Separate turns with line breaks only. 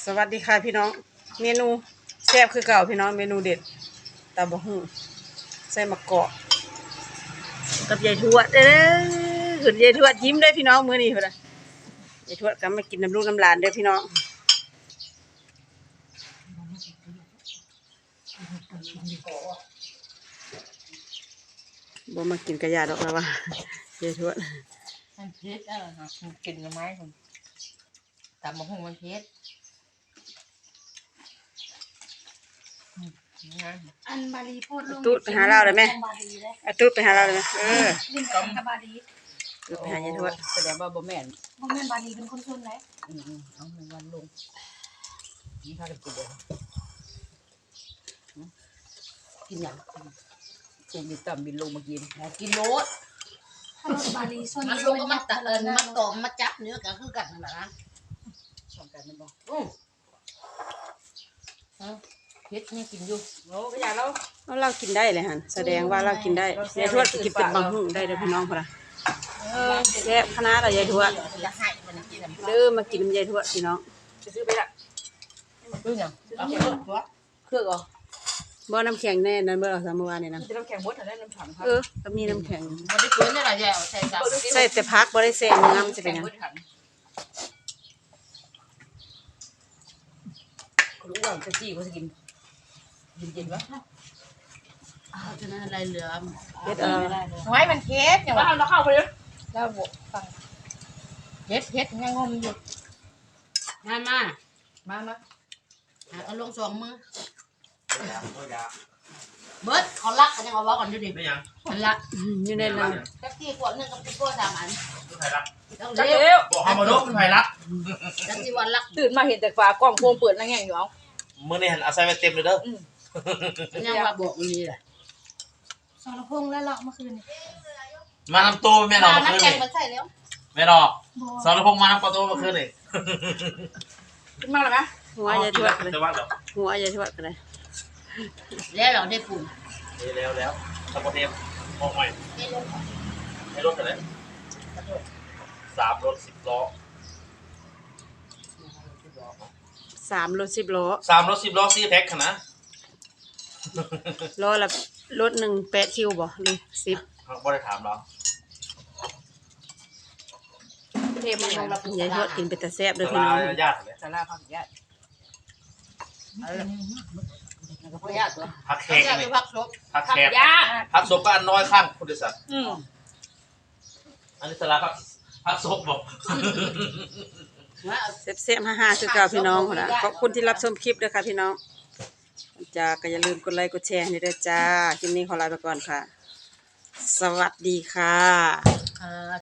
สวัสดีค่ะพี่น้องเมนูแซ่บคือเก่าพี่น้องเมนูเด็ดตำบักหุ่งใส่มะกอกกับยายทวดขึ้นยายทวดยิ้มได้พี่น้องมื้อนี้พุ่นน่ะยายทวดก็มากินน้ำลูกน้ำหลานเด้อพี่น้องบ่มากินกระยาดอกแล้วว่ายายทวด
มันเผ็ดมันกินละไม้คนตำมะฮุ่งมันเผ็ด
อันบาลีพูดลง
ตุ๊ดไปหาเราเลยไหมตุ๊ดไปหาเราเลยไหม
ลิ้นกับบาลี
ตุ๊ดไปหายายทวด
แสดงว่าบ่แม่น
บ่แม่นบาลีเป็นคนชนไหน
เอาหนึ่งวันลงนี่พากันกินเลยกินอย่างกูมีต่ำบินลงมากินกินโลด
ถ้ารถบาลีชน
มันลงก็มาตะมาตอมมาจับเนื้อก็คือกันนั่นแหละนะ
สองกันนั่นบ่เผ็ดนี่กินอยู่โอ้ก็อย่าเรา
เรากินได้เลยฮะแสดงว่าเรากินได้ยายทวดก็กินเป็นบางหุ่งได้เด้อพี่น้องพุ่นน่ะแซ่บขนาดยายทวด
จะให้มันกิน
เด้อมากินยายทวดพี่น้อง
จะซื้อไปละซื้ออย่าง
เอาเถอะ
เครื่องเหรอ
บ่น้ำแข็งแน่นั่นเมื่อเราสามเมื่อวานนี่นะ
จะน้ำแข็งบดถ้าได้น้ำถังครับ
ก็มีน้ำแข็ง
มันได้ปืนได้หลายอย่างใส่กับ
ใส่แต่พักบ่ได้แซ่เนื้อมันจะเป็นหยัง
รู้ว่าจะจี้เขาจะกินเย็นๆวะ
เอาฉะนั้นอะไรเหลือ
เฮ็ด
น้อยมันเผ็ดอย่างว่า
เราเข้าไปเลย
แล้วบฟังเผ็ดยังงมอยู่มาเอาลงสองมือเบิร์ดเขาลักกันยังเอาว่าก่อนดูดิ
ไม่ยัง
มันลัก
อยู่ในนั้น
แท็กซี่ขวดนึงกับติ๊กโก้3 อัน
คุณไผ่รัก
ต้อง
จัก
เลี้ยว
เลี้ยว
บอกให้มาดูคุณไผ่รัก
แท็กซี่วันลัก
ตื่นมาเห็นแต่ฝากล้องโฟมเปิดนั่งแง่งอยู่เอา
มื่อนี้หันเอาใส่ไปเต็มเลยเด้อ
ยังว่าบอกนี่แหละ
สรพงษ์และเลาะเมื่อคืนนี่
มานำตัวแม่นอกมา
น้ำ
คืน
Dạ,
แข็ง
นี่
มันใส่แล้ว
แม่นอก
บ่
สารพงษ์มานำตัวมาคืนนี่
ขึ้นมาแล้วไหม
หัวยายทวดเลย
แต่ว่าเดี๋ยว
หัวยายทวดก็ได้
แล้วเราได้ปุ่น
แล้วตะโกนเทมมองใหม่
ให้ลงก่อน
ให้รถกันเลย3 รถ 10 ล้อ
3 รถ 10 ล้อ
3 รถ 10 ล้อซีแพ็คขนาด
ล้อละรถหนึ่ง8 คิวบ่หรือ10
บ่ได้ถามเรา
เทมันลงรับ
ยายทวดกินเป็นแต่แซ่บเด้อ
ส
พี่
ลา
น้อง
ญาติเลย
สาราพักญาติพักญาติตัว
พักแข
เขา
ก
จะไป
นี่
พักศพ
พัก
พัก
แขก
ญาติ
พักศพก็อันน้อยข้างพุทธศาสนา อันนี้สลาพักศพบอก
ว่า
แซ่บๆฮ่าๆคือเก่าพี่น้องพุ่นน่ะขอบคุณที่รับชมคลิปด้วยค่ะพี่น้องจ้าก็อย่าลืมกดไลค์กดแชร์ให้ด้วยจ้าคลิปนี้ขอลาไปก่อนค่ะ สวัสดีค่ะ